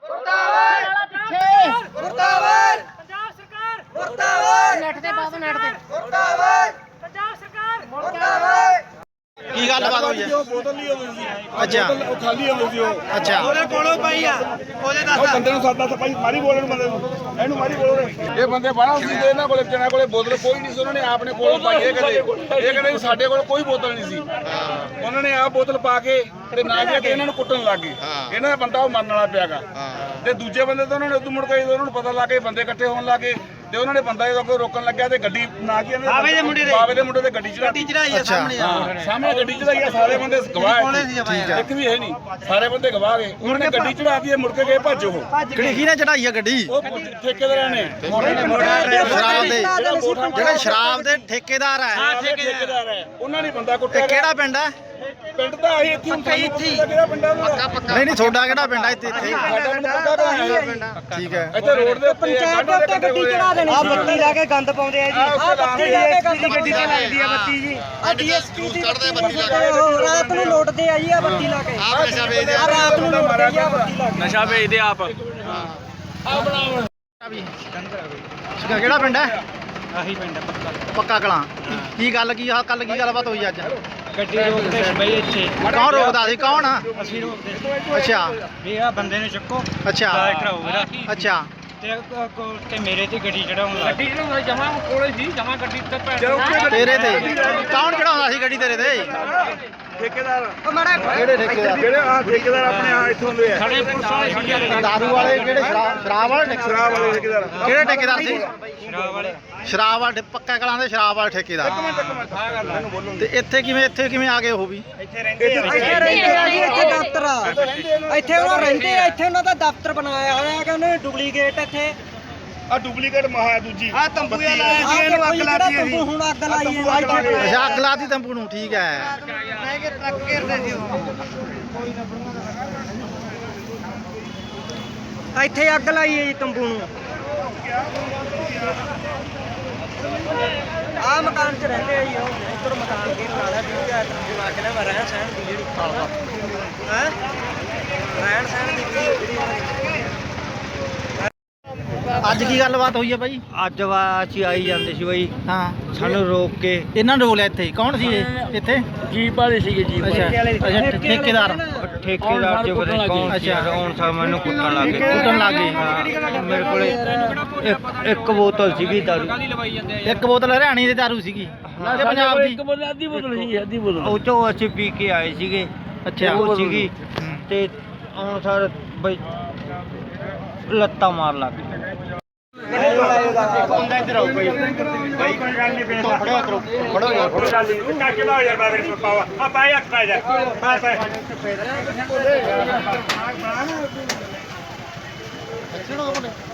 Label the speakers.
Speaker 1: ਮੁਰਦਾਬਾਦ ਪਿੱਛੇ ਮੁਰਦਾਬਾਦ ਪੰਜਾਬ ਸਰਕਾਰ ਮੁਰਦਾਬਾਦ ਨੈਟ ਤੇ ਬਾਬਾ ਨੈਟ ਤੇ ਮੁਰਦਾਬਾਦ ਪੰਜਾਬ ਸਰਕਾਰ ਮੁਰਦਾਬਾਦ
Speaker 2: ਕੀ ਗੱਲਬਾਤ ਹੋਈ ਹੈ?
Speaker 3: ਬੋਤਲ ਨਹੀਂ ਹੋਈ ਸੀ।
Speaker 2: ਅੱਛਾ
Speaker 3: ਉਹ ਖਾਲੀ ਹੋਈ ਸੀ ਉਹ।
Speaker 2: ਅੱਛਾ
Speaker 4: ਉਹਦੇ ਕੋਲੋਂ ਪਈ ਆ ਉਹਦੇ
Speaker 3: ਉਹ ਬੰਦੇ ਨੂੰ ਸਾਦਾ ਸਪਾਈ ਮਾਰੀ ਬੋਲਣ ਨੂੰ ਬੰਦੇ ਨੂੰ ਇਹਨੂੰ ਮਾਰੀ ਬੋਲੋ ਇਹ ਬੰਦੇ ਬਾਹਰ ਸੀ ਤੇ ਇਹਨਾਂ ਕੋਲੇ ਜਣਾ ਕੋਲੇ ਬੋਤਲ ਕੋਈ ਨਹੀਂ ਸੀ ਉਹਨਾਂ ਨੇ ਆਪਣੇ ਕੋਲ ਪਾਈ ਇਹ ਕਹਿੰਦੇ ਸਾਡੇ ਕੋਲ ਕੋਈ ਬੋਤਲ ਨਹੀਂ ਸੀ ਉਹਨਾਂ ਨੇ ਆਹ ਬੋਤਲ ਪਾ ਕੇ ਤੇ ਨਾ ਕਿ ਇਹਨਾਂ ਨੂੰ ਕੁੱਟਣ ਲੱਗ ਗਏ ਇਹਨਾਂ ਦਾ ਬੰਦਾ ਉਹ ਮਰਨ ਵਾਲਾ ਪਿਆਗਾ ਤੇ ਦੂਜੇ ਬੰਦੇ ਤਾਂ ਉਹਨਾਂ ਨੇ ਉਦੋਂ ਮੁੜ ਕੇ ਉਹਨਾਂ ਨੂੰ ਪਤਾ ਲੱਗ ਗਿਆ ਬੰਦੇ ਇਕੱਠੇ ਹੋਣ ਲੱਗੇ ਤੇ ਉਹਨਾਂ ਨੇ ਬੰਦਾ ਜਦੋਂ ਰੋਕਣ ਲੱਗਿਆ ਤੇ ਗੱਡੀ ਨਾ ਕਿ
Speaker 4: ਬਾਵੇ ਦੇ ਮੁੰਡੇ
Speaker 3: ਤੇ ਗੱਡੀ
Speaker 4: ਚੜਾਈ ਆ ਸਾਹਮਣੇ
Speaker 3: ਸਾਹਮਣੇ ਗੱਡੀ ਚੜਾਈ ਆ ਸਾਰੇ ਬੰਦੇ ਗਵਾਹ ਇੱਕ ਵੀ ਹੈ ਨਹੀਂ ਸਾਰੇ ਬੰਦੇ ਗਵਾਹ ਗਏ ਉਹਨਾਂ ਨੇ ਗੱਡੀ ਚੜਾਤੀ ਮੁੜ ਕੇ ਗਏ ਭੱਜ ਉਹ
Speaker 2: ਕਿਹੜੀ ਨੇ ਚੜਾਈ ਆ ਗੱਡੀ?
Speaker 3: ਉਹ ਠੇਕੇਦਾਰਾਂ ਨੇ
Speaker 2: ਸ਼ਰਾਬ ਦੇ ਜਿਹੜੇ ਸ਼ਰਾਬ ਦੇ ਠੇਕੇਦਾਰ ਆ
Speaker 3: ਠੇਕੇਦਾਰ ਹੈ ਉਹਨਾਂ ਨੇ ਬੰਦਾ
Speaker 2: ਤੇ
Speaker 3: ਕੁੱਟਿਆ
Speaker 2: ਕਿਹੜਾ ਪਿੰਡ ਆ?
Speaker 3: ਪਿੰਡ ਦਾ ਆਹੀ ਇੱਥੇ ਕਿਹੜਾ ਪਿੰਡ ਆ
Speaker 2: ਨਹੀਂ ਨਹੀਂ ਤੁਹਾਡਾ ਕਿਹੜਾ ਪਿੰਡ ਆ ਇੱਥੇ?
Speaker 3: ਸਾਡਾ ਪਿੰਡ ਪੱਕਾ ਤਾਂ ਹੈ
Speaker 2: ਠੀਕ ਹੈ।
Speaker 3: ਇੱਥੇ ਰੋਡ ਦੇ ਉੱਤੇ
Speaker 1: ਪੰਚਾਇਤ ਦੇ ਉੱਤੇ ਗੱਡੀ ਚੜਾ ਦੇਣੀ
Speaker 4: ਆ ਬੱਤੀ ਲਾ ਕੇ ਗੰਦ ਪਾਉਂਦੇ ਆ ਜੀ
Speaker 1: ਆ ਬੱਤੀ ਲਾ ਕੇ
Speaker 4: ਗੱਡੀ ਤੇ ਲੱਗਦੀ ਆ ਬੱਤੀ ਜੀ
Speaker 1: ਆ ਡੀਐਸਪੀ ਦੀ ਰਾਤ ਨੂੰ ਲੋਟਦੇ ਆ ਜੀ ਆ ਬੱਤੀ ਲਾ ਕੇ ਆ ਰਾਤ ਨੂੰ ਲੋਟਦੇ ਆ ਬੱਤੀ ਲਾ ਕੇ
Speaker 3: ਨਸ਼ਾ ਵੇਚਦੇ ਆਪ
Speaker 2: ਕਿਹੜਾ ਪਿੰਡ ਹੈ?
Speaker 4: ਆਹੀ ਪਿੰਡ
Speaker 2: ਪੱਕਾ ਕਲਾਂ। ਕੀ ਗੱਲ ਕੀ ਆ ਕੱਲ ਕੀ ਗੱਲਬਾਤ ਹੋਈ ਅੱਜ?
Speaker 4: ਗੱਡੀ ਰੋਕਦੇ ਸੀ ਬਈ ਇੱਥੇ
Speaker 2: ਕੌਣ ਰੋਕਦਾ ਸੀ? ਕੌਣ?
Speaker 4: ਅਸੀਂ ਰੋਕਦੇ
Speaker 2: ਅੱਛਾ
Speaker 4: ਵੀ ਆ ਬੰਦੇ ਨੂੰ ਚੱਕੋ
Speaker 2: ਅੱਛਾ
Speaker 4: ਡਾਇਰੈਕਟਰ ਹੋ ਮੇਰਾ
Speaker 2: ਅੱਛਾ
Speaker 4: ਤੇ ਮੇਰੇ ਤੇ ਗੱਡੀ ਚੜਾਉਣ ਲੱਗ ਗੱਡੀ ਚੜਾਉਂਦਾ ਜਮਾ ਕੋਲੇ ਸੀ ਜਮਾ ਗੱਡੀ ਤੇ
Speaker 2: ਤੇਰੇ ਤੇ ਕੌਣ ਚੜਾਉਂਦਾ ਸੀ ਗੱਡੀ ਤੇਰੇ ਤੇ?
Speaker 3: ਠੇਕੇਦਾਰ
Speaker 2: ਕਿਹੜੇ ਠੇਕੇਦਾਰ?
Speaker 3: ਜਿਹੜੇ ਆ ਠੇਕੇਦਾਰ ਆਪਣੇ ਆ ਇੱਥੋਂ ਦੇ ਆ
Speaker 4: ਸਾਡੇ ਪੁਲਿਸ ਵਾਲੇ ਸੀ
Speaker 2: ਦਾਰੂ ਵਾਲੇ ਕਿਹੜੇ? ਸ਼ਰਾਬ ਵਾਲੇ
Speaker 3: ਸ਼ਰਾਬ ਵਾਲੇ ਠੇਕੇਦਾਰ
Speaker 2: ਕਿਹੜੇ ਠੇਕੇਦਾਰ ਸੀ?
Speaker 4: ਸ਼ਰਾਬ ਵਾਲੇ
Speaker 2: ਸ਼ਰਾਬ ਵਾਲੇ ਪੱਕਾ ਕਲਾਂ ਦੇ ਸ਼ਰਾਬ ਵਾਲੇ ਠੇਕੇਦਾਰ। ਤੇ ਇੱਥੇ ਕਿਵੇਂ ਆ ਗਏ ਉਹ ਵੀ?
Speaker 4: ਇੱਥੇ ਰਹਿੰਦੇ ਆ
Speaker 1: ਇੱਥੇ ਰਹਿੰਦੇ ਆ ਜੀ ਇੱਥੇ ਦਫ਼ਤਰ ਆ ਇੱਥੇ ਉਹ ਰਹਿੰਦੇ ਆ ਇੱਥੇ ਉਹਨਾਂ ਦਾ ਦਫ਼ਤਰ ਬਣਾਇਆ ਹੋਇਆ ਹੈ ਕਿ ਉਹਨੇ ਡੁਪਲੀਕੇਟ ਇੱਥੇ
Speaker 3: ਆ ਡੁਪਲੀਕੇਟ ਮਹਾ ਦੂਜੀ
Speaker 4: ਆ ਤੰਬੂ ਲਾਇਆ ਸੀ ਇਹਨੂੰ ਅੱਗ ਲਾਤੀ
Speaker 1: ਤੰਬੂ ਹੁਣ ਅੱਗ ਲਾਈ ਹੈ
Speaker 2: ਅੱਛਾ ਅੱਗ ਲਾਤੀ ਤੰਬੂ ਨੂੰ। ਠੀਕ ਹੈ।
Speaker 4: ਮੈਂ ਕਿ ਟਰੱਕ ਘੇਰਦੇ ਸੀ
Speaker 1: ਇੱਥੇ ਅੱਗ ਲਾਈ ਹੈ ਜੀ ਤੰਬੂ ਨੂੰ ਆ ਮਕਾਨ 'ਚ ਰਹਿੰਦੇ ਆ ਜੀ ਉਹ ਇੱਧਰ ਮਕਾਨ ਕੀ ਬਣਾ ਲਿਆ ਵੀ ਆ ਤੰਬੂ ਲਾ ਕੇ ਨਾ ਰਹਿਣ ਸਹਿਣ ਦੀ ਜਿਹੜੀ ਹੈ ਰਹਿਣ ਸਹਿਣ ਦੀ ਜਿਹੜੀ
Speaker 2: ਅੱਜ ਕੀ ਗੱਲਬਾਤ ਹੋਈ ਹੈ ਬਾਈ?
Speaker 4: ਅੱਜ ਅਸੀਂ ਆਈ ਜਾਂਦੇ ਸੀ ਬਈ
Speaker 2: ਹਾਂ
Speaker 4: ਸਾਨੂੰ ਰੋਕ ਕੇ
Speaker 2: ਇਹਨਾਂ ਨੇ ਰੋਲਿਆ ਇੱਥੇ? ਕੌਣ ਸੀ ਇਹ ਇੱਥੇ?
Speaker 4: ਜੀਪ ਵਾਲੇ ਸੀਗੇ ਜੀਪ
Speaker 2: ਅੱਛਾ ਅੱਛਾ ਠੇਕੇਦਾਰ
Speaker 4: ਠੇਕੇਦਾਰ ਚ ਪਤਾ ਕੌਣ ਸੀ ਹੁਣ ਸਾ ਮੈਨੂੰ ਕੁੱਟਣ ਲੱਗ ਗਏ ਹਾਂ ਮੇਰੇ ਕੋਲੇ ਇੱਕ ਬੋਤਲ ਸੀਗੀ ਦਾਰੂ
Speaker 2: ਇੱਕ ਬੋਤਲ ਹਰਿਆਣੀ ਦੀ ਦਾਰੂ ਸੀਗੀ ਤੇ ਪੰਜਾਬ ਦੀ?
Speaker 4: ਅੱਧੀ ਬੋਤਲ ਉਹ ਚੋਂ ਅਸੀਂ ਪੀ ਕੇ ਆਏ ਸੀਗੇ
Speaker 2: ਅੱਛਾ
Speaker 4: ਉਹ ਸੀਗੀ ਤੇ ਹੁਣ ਸਰ ਬਈ ਲੱਤਾਂ ਮਾਰ ਲੱਗ ਗਏ
Speaker 2: ਫੜੋ